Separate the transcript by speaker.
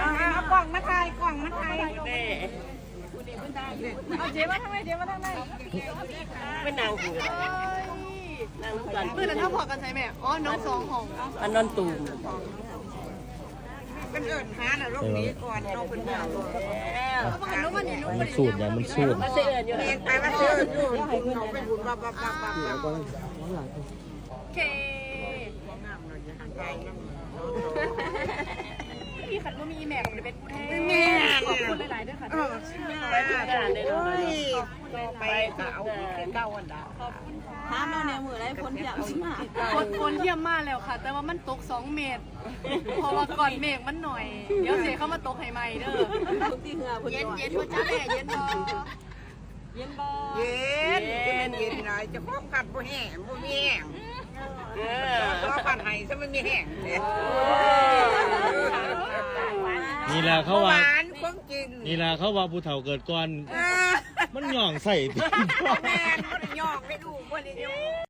Speaker 1: เอากล่องมาถ่ายกล่องมาถ่าย
Speaker 2: เอาเจ๊มาทางไหนเจ๊มาทางไหน
Speaker 3: ไม่นางหูนางกัน
Speaker 2: เพื่อนถ้าพอกันใช่ไหมอ๋อน้องสองของ
Speaker 3: อันนอนตูม
Speaker 1: เป็นเอิญหาน่ะลูกนี้ก่อนเราเป็นเรื่อง
Speaker 2: เขาบอกกันว่าวันนี้นุ๊ก
Speaker 4: มันสูตรอย่างมันสูตร
Speaker 3: มาเสียอยู่
Speaker 1: เรียนไปว่าเชื่ออยู่เราไปบุญบ้าบ้าบ้าบ้า
Speaker 2: โอเคมีขันว่ามีแม็กมันเป็นผู้แทนขอบคุณหลายๆด้วยค่ะ
Speaker 3: ไปทุกงานเลยเนาะ
Speaker 1: ไปเก่าเก่าวันดา
Speaker 2: ห้ามเราเนี่ยมือไรพ้นเยี่ยมมากพ้นเยี่ยมมากแล้วค่ะ แต่ว่ามันตก2 เมตรเพราะว่าก่อนเมฆมันหน่อยเดี๋ยวเสียเข้ามาตกให้ใหม่เด้อเย็นเย็นว่าจ้าแหล่เย็นบอเย็นบอ
Speaker 1: เย็นเย็นหน่อยจะครบกัดบ่แห้งบ่มีแห้งตัวปันไห้ซะมันมีแห้งเลย
Speaker 4: นี่แหละเขาว่า
Speaker 1: หวานของจริง
Speaker 4: นี่แหละเขาว่าผู้เฒ่าเกิดก่อนมันหย่องใส่
Speaker 1: แม่นบ่ได้ยอกไม่ดูบ่ได้ยอก